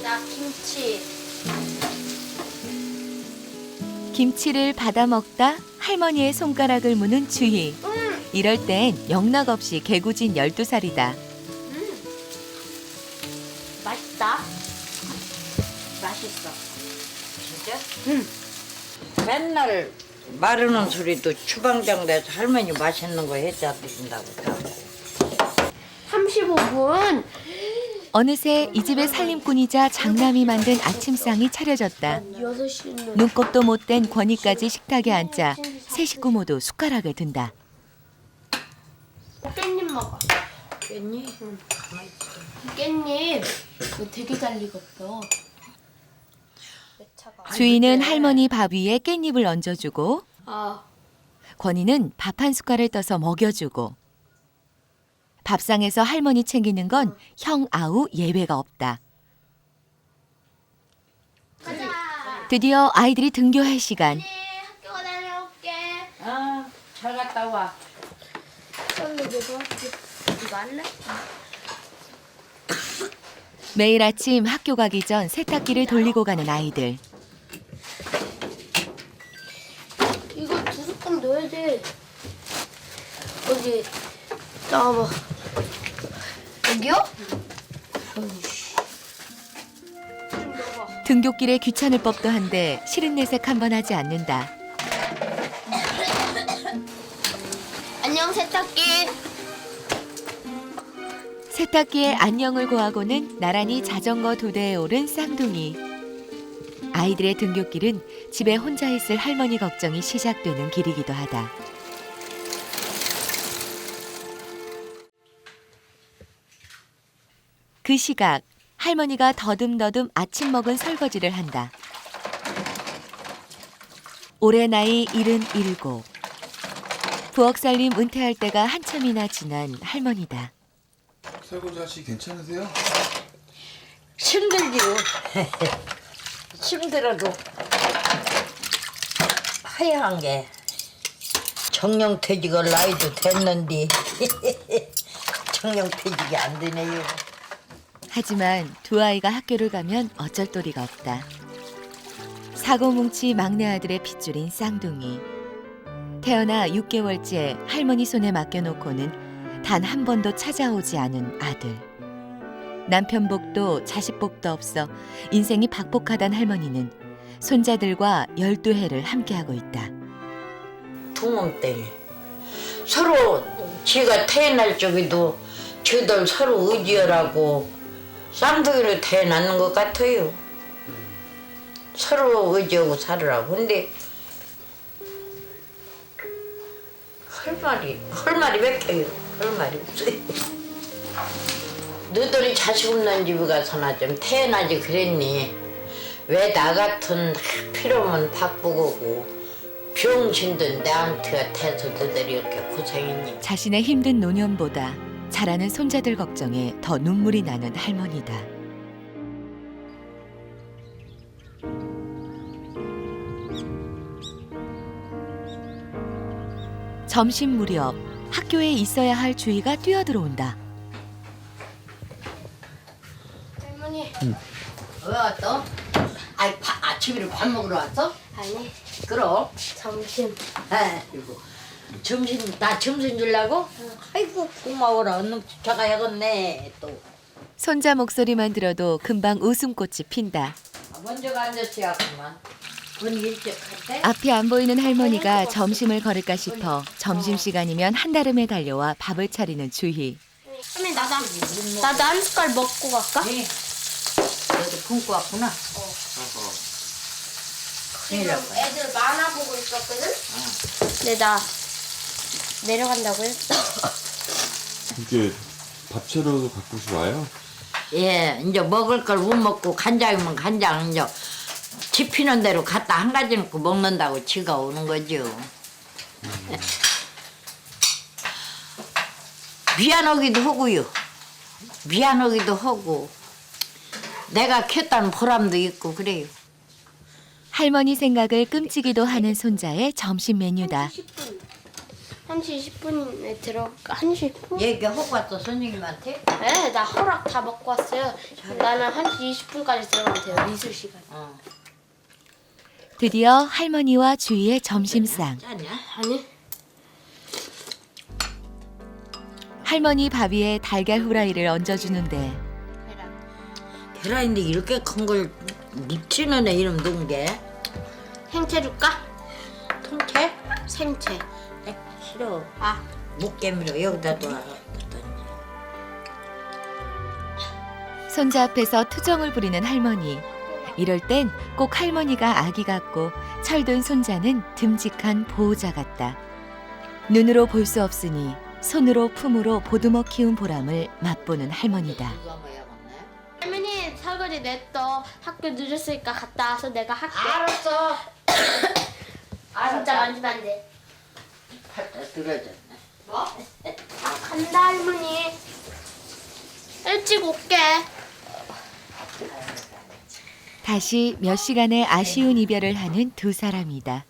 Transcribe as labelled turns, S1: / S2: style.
S1: 나 김치.
S2: 김치를 받아 먹다 할머니의 손가락을 무는 주희. 이럴 땐 영락없이 개구진 12살이다.
S1: 맛있다. 맛있어.
S3: 진짜? 맨날 마르는 소리도 주방장 내서 할머니 맛있는 거 해자 드신다고.
S1: 35분.
S2: 어느새 이 집의 살림꾼이자 장남이 만든 아침상이 차려졌다.
S1: 6시는.
S2: 눈곱도 못된 권희까지 식탁에 앉자 세 식구 모두 숟가락을 든다.
S1: 깻잎 먹어.
S3: 깼니? 가만히 있어.
S1: 깻잎. 이거 되게 잘 익었어.
S2: 주희는 할머니 밥 위에 깻잎을 얹어주고
S1: 아,
S2: 권희는 밥 한 숟갈을 떠서 먹여주고 밥상에서 할머니 챙기는 건 형 아우 예외가 없다.
S1: 가자.
S2: 드디어 아이들이 등교할 시간.
S1: 학교 다녀올게.
S3: 아, 잘 갔다 와.
S1: 이거 할래?
S2: 매일 아침 학교 가기 전 세탁기를 돌리고 가는 아이들.
S1: 이거 2스푼 넣어야 돼. 어디? 나와봐. 여기요?
S2: 등굣길에 귀찮을 법도 한데 싫은 내색 한번 하지 않는다.
S1: 안녕 세탁기.
S2: 세탁기에 안녕을 고하고는 나란히 자전거 2대에 오른 쌍둥이. 아이들의 등굣길은 집에 혼자 있을 할머니 걱정이 시작되는 길이기도 하다. 그 시각 할머니가 더듬더듬 아침 먹은 설거지를 한다. 올해 나이 77. 부엌살림 은퇴할 때가 한참이나 지난 할머니다.
S4: 설거지 하시 괜찮으세요?
S3: 힘들지요. 힘들어도 하얀 게 정령퇴직을 나이도 됐는데 정령퇴직이 안 되네요.
S2: 하지만 두 아이가 학교를 가면 어쩔 도리가 없다. 사고뭉치 막내 아들의 핏줄인 쌍둥이. 태어나 6개월째 할머니 손에 맡겨놓고는 단 한 번도 찾아오지 않은 아들. 남편 복도 자식 복도 없어 인생이 박복하단 할머니는 손자들과 12해를 함께하고 있다.
S3: 동원 때 서로 지가 태어날 적에도 저들 서로 의지하라고 쌍둥이로 태어났는 것 같아요. 서로 의지하고 살으라고. 근데 할 말이 맥혀요. 할 말이 없어요. 너들이 자식 없는 집에 가서나 좀 태어나지 그랬니? 왜 나 같은 필요 없는 박보고고 병신들 내한테 태서 너들이 이렇게 고생했니?
S2: 자신의 힘든 노년보다 자라는 손자들 걱정에 더 눈물이 나는 할머니다. 점심 무렵 학교에 있어야 할 주희가 뛰어들어온다.
S1: 할머니.
S3: 왜 왔어? 아이 아침에 밥 먹으러 왔어?
S1: 아니,
S3: 그럼.
S1: 점심.
S3: 아이고 나 점심 주려고? 아이고 고마워라. 얼른 쫓아가야겠네 또.
S2: 손자 목소리만 들어도 금방 웃음꽃이 핀다.
S3: 먼저가 앉았어야구만. 건 일찍 갔대?
S2: 앞이 안 보이는 할머니가 점심을 거를까 싶어 점심시간이면 한달음에 달려와 밥을 차리는 주희.
S1: 할머니 나도 한 숟갈 먹고 갈까?
S3: 네. 너도 굶고 왔구나. 큰일 날 뻔.
S1: 애들 만화 보고 있었거든? 근데 나 내려간다고 했어.
S4: 이게 밥 차려도 가끔씩 와요?
S3: 예, 이제 먹을 걸 못 먹고 간장이면 간장 이제 집히는 대로 갖다 한 가지 넣고 먹는다고 지가 오는 거죠. 미안하기도 하고요. 미안하기도 하고 내가 켰다는 보람도 있고 그래요.
S2: 할머니 생각을 끔찍이도 하는 손자의 점심 메뉴다.
S1: 1시 10분에 들어가. 1시 10분?
S3: 얘기하고 왔어 선생님한테?
S1: 네, 나 허락 다 먹고 왔어요. 나는 1시 20분까지 들어가면 돼요. 미술 시간.
S2: 드디어 할머니와 주희의 점심상.
S3: 짜냐?
S1: 아니?
S2: 할머니 밥 위에 달걀 후라이를 얹어주는데
S3: 계란인데 이렇게 큰 걸 묻히는 애 이름 누군 게?
S1: 생채 줄까?
S3: 통째?
S1: 생채.
S3: 싫어. 묵개미로 여기다 놔.
S2: 손자 앞에서 투정을 부리는 할머니. 이럴 땐 꼭 할머니가 아기 같고 철든 손자는 듬직한 보호자 같다. 눈으로 볼 수 없으니 손으로 품으로 보듬어 키운 보람을 맛보는 할머니다.
S1: 할머니 설거지 냈어. 학교 늦었으니까 갔다 와서 내가 할게.
S3: 알았어.
S1: 진짜 만지면 안 돼.
S3: 팔다 들어졌네.
S1: 뭐? 간다 할머니. 일찍 올게.
S2: 다시 몇 시간의 아쉬운 이별을 하는 두 사람이다.